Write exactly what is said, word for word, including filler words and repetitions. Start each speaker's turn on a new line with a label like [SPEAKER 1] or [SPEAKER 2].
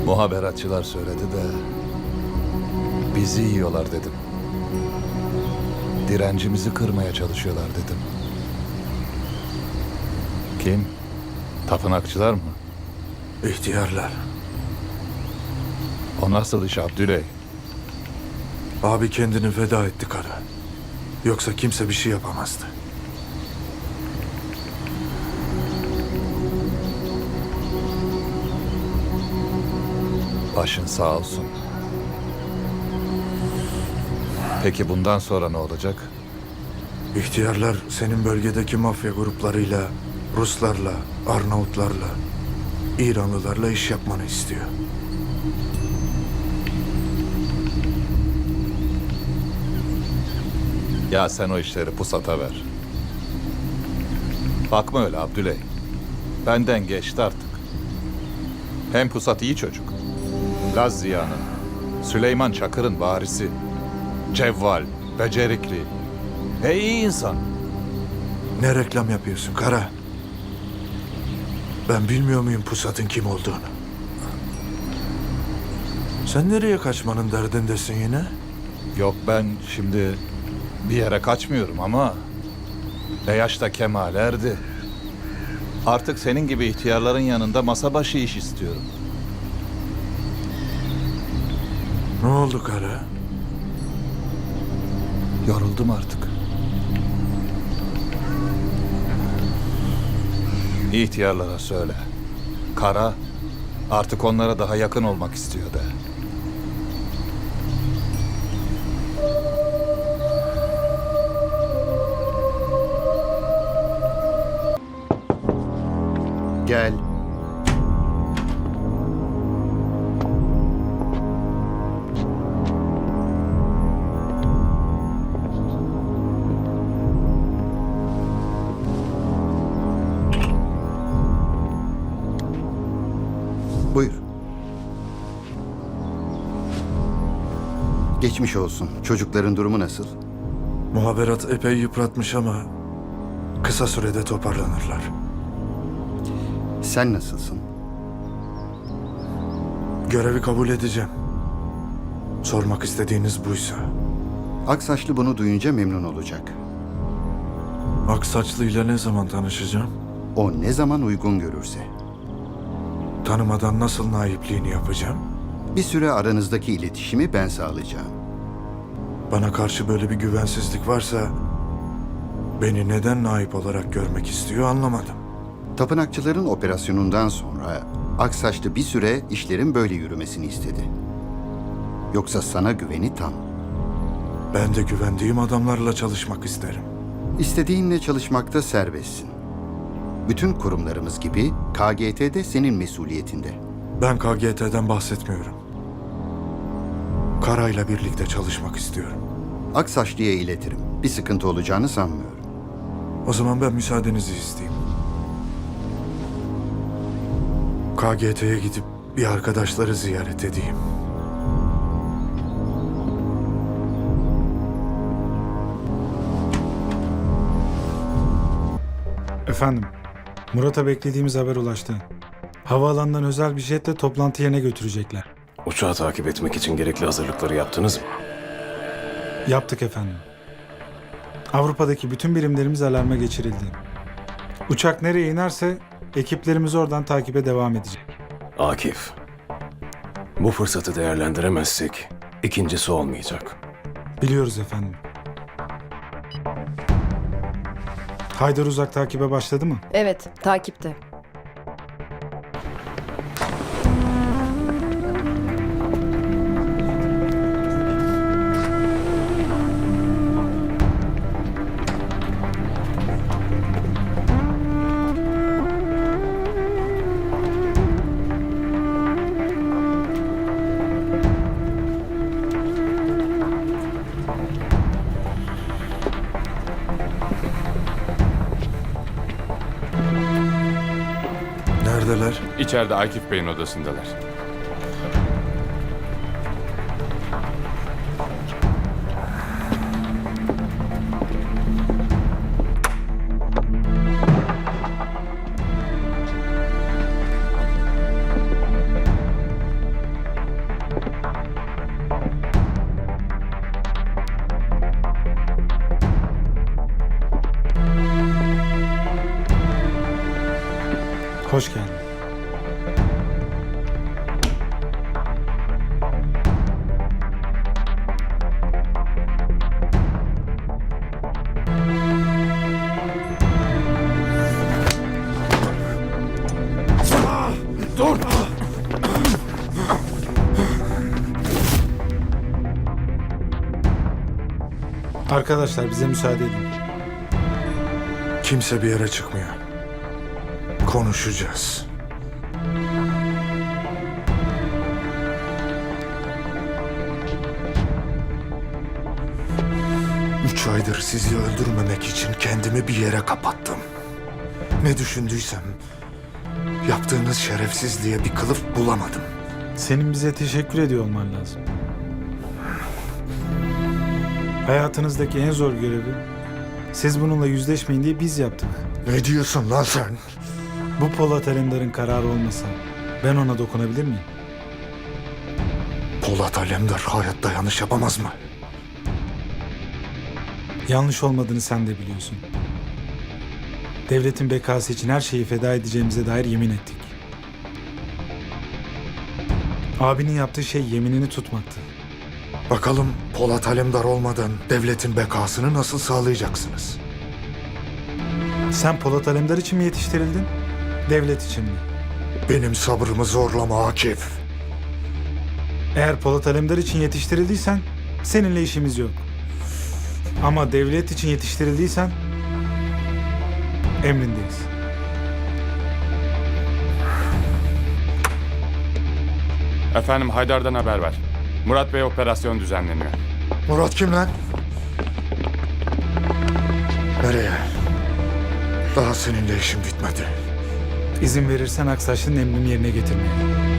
[SPEAKER 1] Muhaberatçılar söyledi de bizi yiyorlar dedim. Direncimizi kırmaya çalışıyorlar dedim. Kim? Tapınakçılar mı?
[SPEAKER 2] İhtiyarlar.
[SPEAKER 1] O nasıl iş Abdüley?
[SPEAKER 2] Abi kendini feda etti kara. Yoksa kimse bir şey yapamazdı.
[SPEAKER 1] Başın sağ olsun. Peki bundan sonra ne olacak?
[SPEAKER 2] İhtiyarlar senin bölgedeki mafya gruplarıyla, Ruslarla, Arnavutlarla, İranlılarla iş yapmanı istiyor.
[SPEAKER 1] Ya sen o işleri pusata ver. Bakma öyle Abdüley. Benden geçti artık. Hem Pusat iyi çocuk. Laz Ziya'nın, Süleyman Çakır'ın varisi. Cevval, becerikli. Ve iyi insan.
[SPEAKER 2] Ne reklam yapıyorsun kara? Ben bilmiyor muyum Pusat'ın kim olduğunu? Sen nereye kaçmanın derdindesin yine?
[SPEAKER 1] Yok ben şimdi bir yere kaçmıyorum ama ne yaşta kemal erdi. Artık senin gibi ihtiyarların yanında masa başı iş istiyorum.
[SPEAKER 2] Ne oldu kara?
[SPEAKER 1] Yoruldum artık. İhtiyarlara söyle. Kara artık onlara daha yakın olmak istiyor de.
[SPEAKER 3] Gel. Buyur. Geçmiş olsun. Çocukların durumu nasıl?
[SPEAKER 2] Muhaberat epey yıpratmış ama kısa sürede toparlanırlar.
[SPEAKER 3] Sen nasılsın?
[SPEAKER 2] Görevi kabul edeceğim. Sormak istediğiniz buysa.
[SPEAKER 3] Aksaçlı bunu duyunca memnun olacak.
[SPEAKER 2] Aksaçlı ile ne zaman tanışacağım?
[SPEAKER 3] O ne zaman uygun görürse.
[SPEAKER 2] Tanımadan nasıl naipliğini yapacağım?
[SPEAKER 3] Bir süre aranızdaki iletişimi ben sağlayacağım.
[SPEAKER 2] Bana karşı böyle bir güvensizlik varsa beni neden naip olarak görmek istiyor anlamadım.
[SPEAKER 3] Tapınakçıların operasyonundan sonra Aksaçlı bir süre işlerin böyle yürümesini istedi. Yoksa sana güveni tam.
[SPEAKER 2] Ben de güvendiğim adamlarla çalışmak isterim.
[SPEAKER 3] İstediğinle çalışmakta serbestsin. Bütün kurumlarımız gibi K G T de senin mesuliyetinde.
[SPEAKER 2] Ben K G T'den bahsetmiyorum. Kara'yla birlikte çalışmak istiyorum.
[SPEAKER 3] Aksaçlı'ya iletirim. Bir sıkıntı olacağını sanmıyorum.
[SPEAKER 2] O zaman ben müsaadenizi isteyeyim. K G T'ye gidip bir arkadaşları ziyaret edeyim.
[SPEAKER 4] Efendim, Murat'a beklediğimiz haber ulaştı. Havaalanından özel bir jetle toplantı yerine götürecekler.
[SPEAKER 5] Uçağı takip etmek için gerekli hazırlıkları yaptınız mı?
[SPEAKER 4] Yaptık efendim. Avrupa'daki bütün birimlerimiz alarma geçirildi. Uçak nereye inerse ekiplerimiz oradan takibe devam edecek.
[SPEAKER 5] Akif, bu fırsatı değerlendiremezsek ikincisi olmayacak.
[SPEAKER 4] Biliyoruz efendim. Haydar Uzak takibe başladı mı?
[SPEAKER 6] Evet, takipte.
[SPEAKER 2] Neredeler?
[SPEAKER 7] İçeride Akif Bey'in odasındalar.
[SPEAKER 4] Arkadaşlar bize müsaade edin.
[SPEAKER 2] Kimse bir yere çıkmıyor. Konuşacağız. Üç aydır sizi öldürmemek için kendimi bir yere kapattım. Ne düşündüysem yaptığınız şerefsizliğe bir kılıf bulamadım.
[SPEAKER 4] Senin bize teşekkür ediyor olman lazım. Hayatınızdaki en zor görevi siz bununla yüzleşmeyin diye biz yaptık.
[SPEAKER 2] Ne diyorsun lan sen?
[SPEAKER 4] Bu Polat Alemdar'ın kararı olmasa ben ona dokunabilir miyim?
[SPEAKER 2] Polat Alemdar hayatta yanlış yapamaz mı?
[SPEAKER 4] Yanlış olmadığını sen de biliyorsun. Devletin bekası için her şeyi feda edeceğimize dair yemin ettik. Abinin yaptığı şey yeminini tutmaktı.
[SPEAKER 2] Bakalım Polat Alemdar olmadan devletin bekasını nasıl sağlayacaksınız?
[SPEAKER 4] Sen Polat Alemdar için mi yetiştirildin? Devlet için mi?
[SPEAKER 2] Benim sabrımı zorlama Akif.
[SPEAKER 4] Eğer Polat Alemdar için yetiştirildiysen seninle işimiz yok. Ama devlet için yetiştirildiysen emrindeyiz.
[SPEAKER 7] Efendim Haydar'dan haber var. Murat Bey operasyon düzenleniyor.
[SPEAKER 2] Murat kim lan? Nereye? Daha seninle işim bitmedi.
[SPEAKER 4] İzin verirsen Aksaçlı'nın emrini yerine getirmeye.